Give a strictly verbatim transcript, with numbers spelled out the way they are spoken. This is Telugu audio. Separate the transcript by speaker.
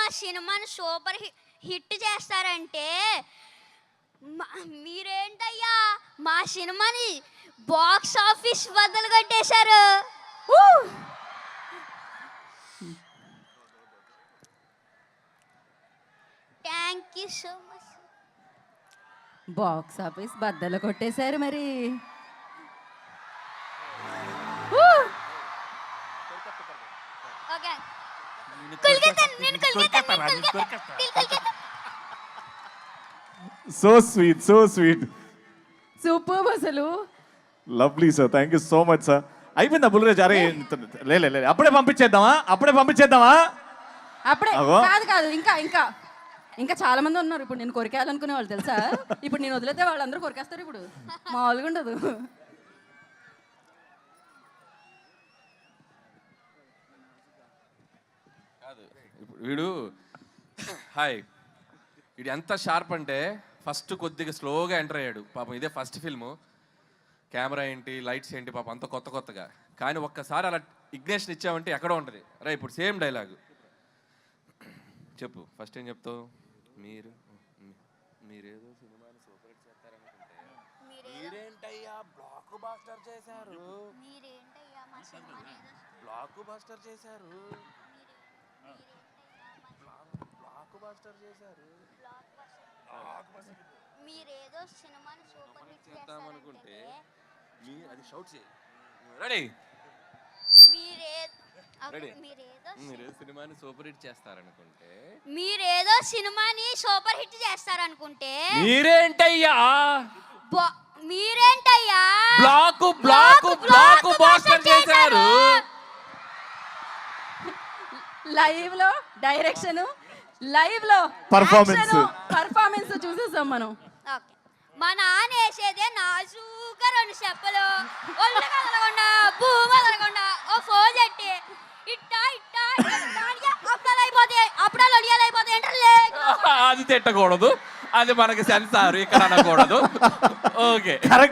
Speaker 1: సినిమాని సూపర్ హిట్ చేస్తారంటే మీరేంటయ్యా మా సినిమాని బాక్స్ ఆఫీస్ బద్దలు కొట్టేశారు. Thank you so much.
Speaker 2: Box office బద్దలు కొట్టేశారు మరి.
Speaker 1: Okay
Speaker 3: so sweet so sweet
Speaker 2: super అసలు.
Speaker 3: Lovely sir, thank you so much sir. అయిపోయిందా బుల్రాజ్? అరే లే లే లే, అప్పుడే పంపించేద్దామా అప్పుడే పంపించేద్దామా
Speaker 2: అప్పుడే
Speaker 3: అగో.
Speaker 2: కాదు కాదు ఇంకా ఇంకా ఇంకా చాలా మంది ఉన్నారు ఇప్పుడు నేను కొరికేయాలనుకునే వాళ్ళు తెలుసా. ఇప్పుడు నేను వదిలేతే వాళ్ళందరూ కొరికేస్తారు. ఇప్పుడు మామూలుగా ఉండదు.
Speaker 4: కాదు ఇప్పుడు వీడు హాయ్ వీడు ఎంత షార్ప్ అంటే ఫస్ట్ కొద్దిగా స్లోగా ఎంటర్ అయ్యాడు పాపం. ఇదే ఫస్ట్ ఫిల్ము, కెమెరా ఏంటి లైట్స్ ఏంటి పాపం అంత కొత్త కొత్తగా. కానీ ఒక్కసారి అలా ఇగ్నేషన్ ఇచ్చామంటే ఎక్కడో ఉంటుంది. రా ఇప్పుడు సేమ్ డైలాగు చెప్పు. ఫస్ట్ ఏం చెప్తావు? మీరు మీరేదో సినిమాని సూపర్ హిట్ చేస్తారనుకుంటే మీరేంటయ్యా బ్లాక్ బాస్టర్ చేశారు. బ్లాక్ బాస్టర్ చేశారు. బ్లాక్ బాస్టర్ చేశారు.
Speaker 1: మీరేదో సినిమాని సూపర్ హిట్
Speaker 4: చేద్దామనుకుంటే మీ అది షౌట్ చేయి. రెడీ?
Speaker 1: మీరేదో
Speaker 4: మీరేదో సినిమాని సూపర్ హిట్ చేస్తారనుకుంటే
Speaker 1: మీరేదో సినిమాని సూపర్ హిట్ చేస్తారనుకుంటే
Speaker 4: మీరేంటయ్యా
Speaker 1: మీరేంటయ్యా
Speaker 4: బ్లాక్ బ్లాక్ బ్లాక్ బాస్టర్ చేశారు.
Speaker 2: లైవ్ లో డైరెక్షన్, లైవ్ లో
Speaker 3: Performance.
Speaker 2: పర్ఫార్మెన్స్ చూసేసాం మనం.
Speaker 1: ఓకే మా నాన్న వేసేదే నాజూగా రెండు చెప్పలు ఒళ్ళు కదలకుండా భూమి కదలకుండా ఓ ఫోన్ చెట్టి ఇట్టా ఇట్టా అప్పుడాలు అయిపోతాయి అప్పుడాలు ఒడియాలు అయిపోతాయి అంటే
Speaker 4: అది తిట్టకూడదు, అది మనకి సెన్సార్ ఇక్కడ అనకూడదు. ఓకే.